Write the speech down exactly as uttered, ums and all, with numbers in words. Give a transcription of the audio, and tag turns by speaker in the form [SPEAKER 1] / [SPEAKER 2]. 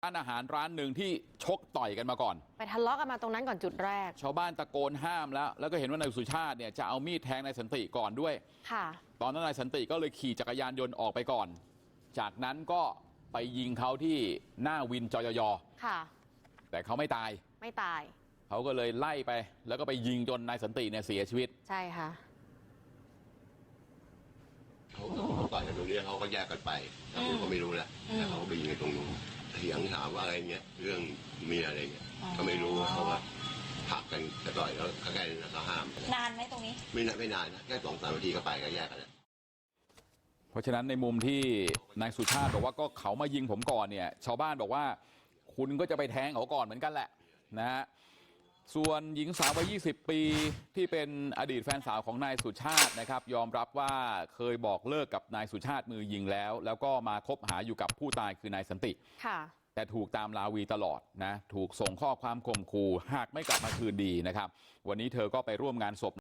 [SPEAKER 1] ร้านอาหารร้านหนึ่งที่ชกต่อยกันมาก่อน
[SPEAKER 2] ไปทะเลาะกันมาตรงนั้นก่อนจุดแรก
[SPEAKER 1] ชาวบ้านตะโกนห้ามแล้วแล้วก็เห็นว่านายสุชาติเนี่ยจะเอามีดแทงนายสันติก่อนด้วยค่ะตอนนั้นนายสันติก็เลยขี่จักรยานยนต์ออกไปก่อนจากนั้นก็ไปยิงเขาที่หน้าวินจยยค่ะแต่เขาไม่ตาย
[SPEAKER 2] ไม่ตาย
[SPEAKER 1] เขาก็เลยไล่ไปแล้วก็ไปยิงจนนายสันติเนี่ยเสียชีวิต
[SPEAKER 2] ใช่ค่ะ
[SPEAKER 3] เขาต่อยกันตรงนี้เขาก็แยกกันไปเราก็ไม่รู้แล้วแต่เขาไปยิงกันตรงนู้นเถียงถามว่าอะไรเงี้ยเรื่องเมียอะไรเงี้ยก็ไม่รู้เขาว่าผักกันจะต่อยแล้วใกล้ๆนั้นเขาห้าม
[SPEAKER 4] นานไหมตรงนี้
[SPEAKER 3] ไม่นานไม่นานนะแค่สองสามนาทีก็ไปก็แยกกันแล้ว
[SPEAKER 1] เพราะฉะนั้นในมุมที่นายสุชาติบอกว่าก็เขามายิงผมก่อนเนี่ยชาวบ้านบอกว่าคุณก็จะไปแทงเขาก่อนเหมือนกันแหละนะฮะส่วนหญิงสาววัยยี่สิบปีที่เป็นอดีตแฟนสาวของนายสุชาตินะครับยอมรับว่าเคยบอกเลิกกับนายสุชาติมือยิงแล้วแล้วก็มาคบหาอยู่กับผู้ตายคือนายสันติค่ะแต่ถูกตามลาวีตลอดนะถูกส่งข้อความข่มขู่หากไม่กลับมาคืนดีนะครับวันนี้เธอก็ไปร่วมงานศพ